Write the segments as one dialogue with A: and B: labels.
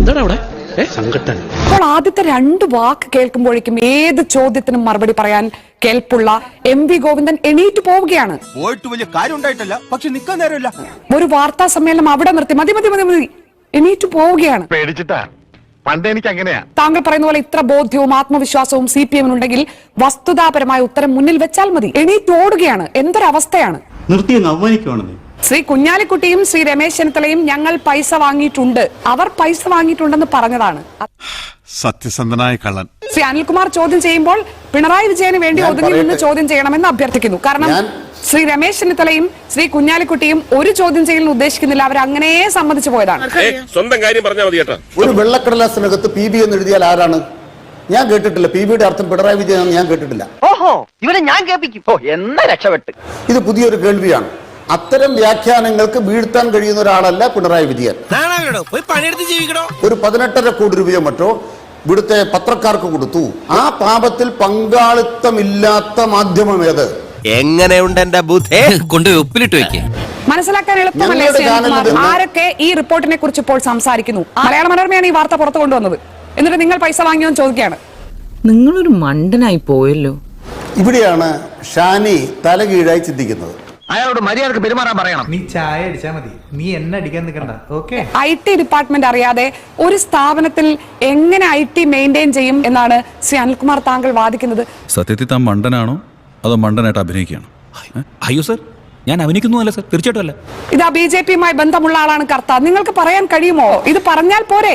A: എന്താണ് അവിടെ സങ്കട്ടൻ?
B: അപ്പോൾ ആദ്യത്തെ രണ്ട് വാക്ക് കേൾക്കുമ്പോഴേക്കും ഏത് ചോദ്യത്തിനും മറുപടി പറയാൻ കേൾപ്പുള്ള MV ഗോവിന്ദൻ എണീറ്റ് പോവുകയാണ്.
C: പോയിട്ട് വലിയ കാര്യം ഉണ്ടായിട്ടല്ല, പക്ഷെ നിക്കാൻ നേരമില്ല.
B: ഒരു വാർത്താ സമ്മേളനം അവിടെ നിർത്തി മതി മതി മതി മതി എണീറ്റ് പോവുകയാണ്.
D: പേടിച്ചിട്ടാ, പണ്ട് എനിക്ക് അങ്ങനെയാ.
B: താങ്കൾ പറയുന്ന പോലെ ഇത്ര ബോധ്യവും ആത്മവിശ്വാസവും CPM ഉണ്ടെങ്കിൽ വസ്തുതാപരമായ ഉത്തരം മുന്നിൽ വെച്ചാൽ മതി. എണീറ്റ് ഓടുകയാണ്. എന്തൊരവസ്ഥയാണ്. ശ്രീ കുഞ്ഞാലിക്കുട്ടിയും ശ്രീ രമേശ് ചെന്നിത്തലയും ഞങ്ങൾ പൈസ വാങ്ങിയിട്ടുണ്ട്, അവർ പൈസ വാങ്ങിയിട്ടുണ്ടെന്ന് പറഞ്ഞതാണ്.
D: സത്യസന്ധനായ കള്ളൻ.
B: ശ്രീ അനിൽകുമാർ ചോദ്യം ചെയ്യുമ്പോൾ പിണറായി വിജയന് വേണ്ടി ഒതുങ്ങി നിന്ന് ചോദ്യം ചെയ്യണമെന്ന് അഭ്യർത്ഥിക്കുന്നു. കാരണം ശ്രീ രമേശ് ചെന്നിത്തലയും ശ്രീ കുഞ്ഞാലിക്കുട്ടിയും ഒരു ചോദ്യം ചെയ്യലിന് ഉദ്ദേശിക്കുന്നില്ല, അവർ അങ്ങനെ സമ്മതിച്ചു പോയതാണ്.
E: സ്വന്തം കാര്യം പറഞ്ഞാൽ മതി കേട്ടോ.
F: ഒരു വെള്ളക്കടലാസിനകത്ത് PB എന്ന് എഴുതിയാൽ ആരാണ്? ഞാൻ കേട്ടിട്ടില്ല. PBയുടെ അർത്ഥം പിണറായി വിജയൻ ഞാൻ കേട്ടിട്ടില്ല.
G: ഓഹോ, ഇവരെ ഞാൻ കേൾപ്പിക്കും. എന്നാ രക്ഷപ്പെട്ട്.
F: ഇത് പുതിയൊരു കേൾവിയാണ്. അത്തരം വ്യാഖ്യാനങ്ങൾക്ക് വീഴ്ത്താൻ കഴിയുന്ന ഒരാളല്ല പിണറായി വിജയൻ. ഒരു 18.5 കോടി രൂപയോ മറ്റോ ഇവിടുത്തെ പത്രക്കാർക്ക് കൊടുത്തു. ആ പാപത്തിൽ പങ്കാളിത്തമില്ലാത്ത മാധ്യമം ഏത്?
C: എങ്ങനെയുണ്ട് എന്റെ ബുദ്ധി?
A: കൊണ്ട് ഉപ്പിലിട്ട് വെക്കേ.
B: മനസ്സിലാക്കാൻ എളുപ്പമല്ലേ ആരൊക്കെ ഈ റിപ്പോർട്ടിനെ കുറിച്ച് ഇപ്പോൾ സംസാരിക്കുന്നു? മലയാള മനോരമയാണ് ഈ വാർത്ത പുറത്തു കൊണ്ടുവന്നത്. എന്നിട്ട് നിങ്ങൾ പൈസ വാങ്ങിയോന്ന് ചോദിക്കുകയാണ്.
H: നിങ്ങളൊരു മണ്ടനായി പോയല്ലോ.
F: ഇവിടെയാണ് ഷാനി തലകീഴായി ചിന്തിക്കുന്നത്.
G: അയാളോട് മര്യാദക്ക് പെരുമാറാൻ പറയണം.
I: നീ ചായ അടിച്ചാ മതി, നീ എന്നെ അടിക്കാൻ നിൽക്കണ്ട. ഓക്കെ.
B: IT ഡിപ്പാർട്ട്മെന്റ് അറിയാതെ ഒരു സ്ഥാപനത്തിൽ എങ്ങനെ IT മെയിൻറ്റെയിൻ ചെയ്യും എന്നാണ് ശ്രീ അനിൽകുമാർ താങ്കൾ വാദിക്കുന്നത്.
J: സത്യത്തിൽ താൻ മണ്ടനാണോ അതോ മണ്ടനായിട്ട് അഭിനയിക്കുകയാണോ?
A: അയ്യോ സർ, ഞാൻ അഭിനയിക്കുന്നു അല്ല സർ, തീർച്ചയായിട്ടും അല്ല.
B: ഇതാ BJP-യുമായി ബന്ധമുള്ള ആളാണ് കർത്ത. നിങ്ങൾക്ക് പറയാൻ കഴിയുമോ? ഇത് പറഞ്ഞാൽ പോരെ?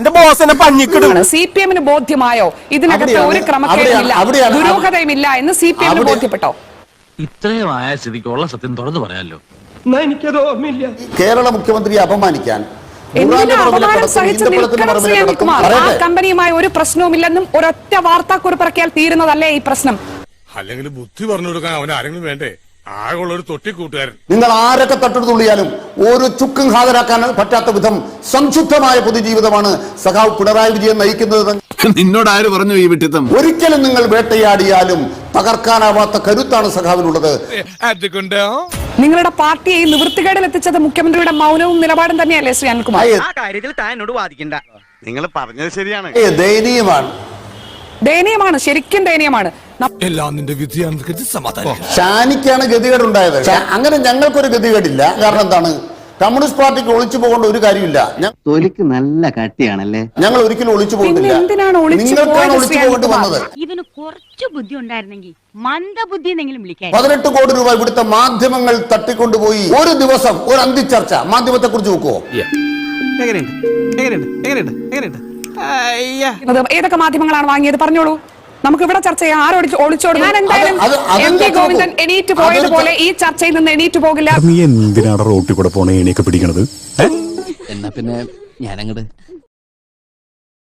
B: CPM-ന് ബോധ്യമായോ ഇതിനകത്ത് ഒരു ക്രമക്കേടുമില്ല, ദുരൂഹതയുമില്ല എന്ന് CPM-ന് ബോധ്യപ്പെട്ടോ?
A: ഇത്രയും ആയ സ്ഥിതിക്കുള്ള സത്യം തുറന്നു പറയാലോ.
I: എനിക്കത് ഓർമ്മയില്ല.
F: കേരള മുഖ്യമന്ത്രിയെ അപമാനിക്കാൻ
B: കമ്പനിയുമായി ഒരു പ്രശ്നവുമില്ലെന്നും ഒരൊറ്റ വാർത്താക്കുറിപ്പിറക്കിയാൽ തീരുന്നതല്ലേ ഈ പ്രശ്നം?
E: അല്ലെങ്കിൽ ബുദ്ധി പറഞ്ഞു കൊടുക്കാൻ അവൻ ആരെങ്കിലും വേണ്ടേ? ആകെയുള്ള ഒരു തൊട്ടിക്കൂട്ടുകാരൻ.
F: നിങ്ങൾ ആരൊക്കെ തട്ടെടുത്തുള്ളിയാലും ഒരു ചുക്കും ഹാജരാക്കാൻ പറ്റാത്ത വിധം സംശുദ്ധമായ പൊതുജീവിതമാണ് സഖാവ് പിണറായി വിജയൻ നയിക്കുന്നത്.
D: നിന്നോട് ആര് പറഞ്ഞു ഈ വിട്ടിത്തം?
F: ഒരിക്കലും നിങ്ങൾ വേട്ടയാടിയാലും തകർക്കാനാവാത്ത കരുത്താണ് സഖാവിനുള്ളത്.
B: നിങ്ങളുടെ പാർട്ടിയെ നിവൃത്തികേടിൽ എത്തിച്ചത് മുഖ്യമന്ത്രിയുടെ മൗനവും നിലപാടും തന്നെയല്ലേ ശ്രീ അനിൽകുമാർ?
G: ആ കാര്യത്തിൽ താൻ എന്നോട് വാദിക്കണ്ട.
D: നിങ്ങൾ പറഞ്ഞത് ശരിയാണ്.
F: ദയനീയമാണ്,
B: ശരിക്കും ദയനീയമാണ്.
F: ഷാനിക്കാണ് ഗതികേടുണ്ടായത്. അങ്ങനെ ഞങ്ങൾക്കൊരു ഗതികേടില്ല. കാരണം എന്താണ്? കമ്മ്യൂണിസ്റ്റ് പാർട്ടിക്ക് ഒളിച്ചു പോകേണ്ട ഒരു കാര്യമില്ല.
G: തൊലിക്ക് നല്ല കട്ടിയാണല്ലേ.
F: ഞങ്ങൾ ഒരിക്കലും ഒളിച്ചു പോകുന്നില്ല. നിങ്ങൾക്കാണ് ഒളിച്ചു പോകേണ്ടി വന്നത്.
K: ഇവന് കുറച്ചു ബുദ്ധി ഉണ്ടായിരുന്നെങ്കിൽ മന്ദബുദ്ധി എന്നെങ്കിലും വിളിക്കാം.
F: 18 കോടി രൂപ ഇവിടുത്തെ മാധ്യമങ്ങൾ തട്ടിക്കൊണ്ടുപോയി. ഒരു ദിവസം ഒരു അന്തിച്ചർച്ച മാധ്യമത്തെ കുറിച്ച് നോക്കുവോ?
B: ഏതൊക്കെ മാധ്യമങ്ങളാണ് വാങ്ങിയത് പറഞ്ഞോളൂ, നമുക്ക് ഇവിടെ ചർച്ച ചെയ്യാം. ഒളിച്ചോടും. ഞാൻ എന്തായാലും MV ഗോവിന്ദൻ എണീറ്റ് പോയതുപോലെ ഈ ചർച്ചയിൽ നിന്ന് എണീറ്റ് പോകില്ല.
J: നീ എന്തിനാണ് റോട്ടിൽ കൂടെ പോണേ എണീക്കെ പിടിക്കണത്?
A: എന്നാ പിന്നെ ഞാനങ്ങട്